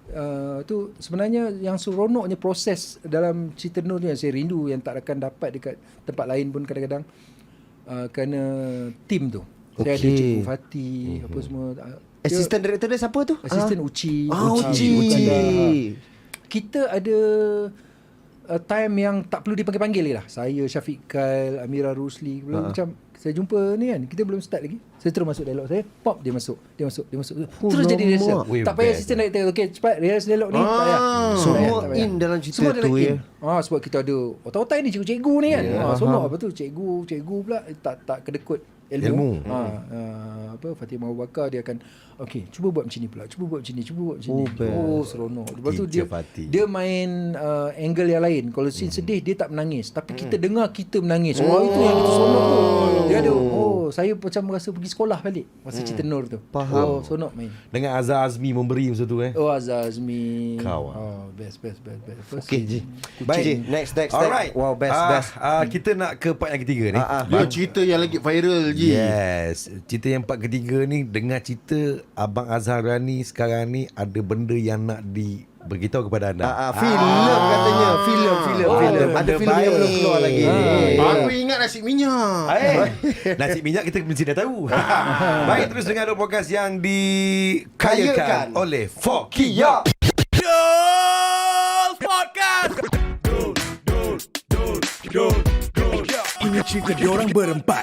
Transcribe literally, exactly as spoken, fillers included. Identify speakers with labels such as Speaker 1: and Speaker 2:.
Speaker 1: uh, tu sebenarnya yang seronoknya proses dalam cerita Nur ni yang saya rindu, yang tak akan dapat dekat tempat lain pun kadang-kadang, uh, kerana tim tu. Saya
Speaker 2: Okay.
Speaker 1: ada Cikgu Fatih, mm-hmm. apa semua. Uh,
Speaker 2: Assistant director dia siapa tu?
Speaker 1: Assistant uh, Uci.
Speaker 2: Ah, Uci.
Speaker 1: Uci.
Speaker 2: Uci.
Speaker 1: Kita ada uh, time yang tak perlu dipanggil-panggil lah. Saya, Syafiq Kyle, Amira Rusli, uh-huh. macam saya jumpa ni kan, kita belum start lagi. Saya terus masuk dialog saya, pop dia masuk, dia masuk, dia masuk.
Speaker 2: Oh,
Speaker 1: terus jadi rehearsal.
Speaker 3: Weh,
Speaker 1: Tak payah
Speaker 3: best.
Speaker 1: assistant director, okey cepat rehearsal dialog ni.
Speaker 2: Ah,
Speaker 1: tak payah.
Speaker 2: semua
Speaker 1: Tak payah, tak payah.
Speaker 2: in dalam cerita
Speaker 1: Semua dalam
Speaker 2: tu,
Speaker 1: in.
Speaker 2: ya.
Speaker 1: Ah, sebab kita ada otak-otak ni cikgu-cikgu ni kan.
Speaker 2: Yeah,
Speaker 1: Ah, sonok
Speaker 2: faham.
Speaker 1: apa tu cikgu, cikgu pula tak tak kedekut ilmu.
Speaker 3: Ilmu.
Speaker 1: Ha, uh, apa Fatimah Abu Bakar dia akan okey cuba buat macam ni pula, cuba buat macam ni, cuba buat macam
Speaker 2: Oh,
Speaker 1: ni.
Speaker 2: best.
Speaker 1: Oh, seronok. Lepas tu dia
Speaker 3: Teacher Fatih.
Speaker 1: dia main uh, angle yang lain. Kalau scene hmm. sedih dia tak menangis, tapi kita dengar kita menangis. Oh, itu yang kita sonok tu. Dia ada oh, saya macam rasa pergi sekolah balik masa cerita Nur tu.
Speaker 2: Faham.
Speaker 1: Oh, sonok main.
Speaker 3: Dengan Azhar Azmi memberi masa tu eh.
Speaker 1: Oh, Azhar Azmi.
Speaker 3: Kau, ah.
Speaker 1: Oh, best best best best. First
Speaker 2: Okay, Ji.
Speaker 1: Kucing.
Speaker 2: Baik, Ji. Next, next,
Speaker 3: Alright.
Speaker 2: next. Wow, best,
Speaker 3: Ah,
Speaker 2: best.
Speaker 3: ah, kita nak ke part yang ketiga ni.
Speaker 2: Ah, ah.
Speaker 4: Dia cerita yang lagi viral je.
Speaker 3: Yes. Cerita yang part ketiga ni, dengar cerita Abang Azhar Rani sekarang ni ada benda yang nak di beritahu kepada anda.
Speaker 2: Ah, ah, filem katanya, filem, filem,
Speaker 3: Oh,
Speaker 2: filem.
Speaker 3: benda
Speaker 2: Ada filem yang
Speaker 3: baik.
Speaker 2: belum keluar lagi.
Speaker 1: Ah,
Speaker 4: Aku ingat nasi minyak.
Speaker 3: Eh, nasi minyak kita mesti dah tahu. Baik, terus dengar podcast yang dikayakan
Speaker 2: Kayakan.
Speaker 3: oleh Fokia.
Speaker 5: Ini cerita diorang berempat.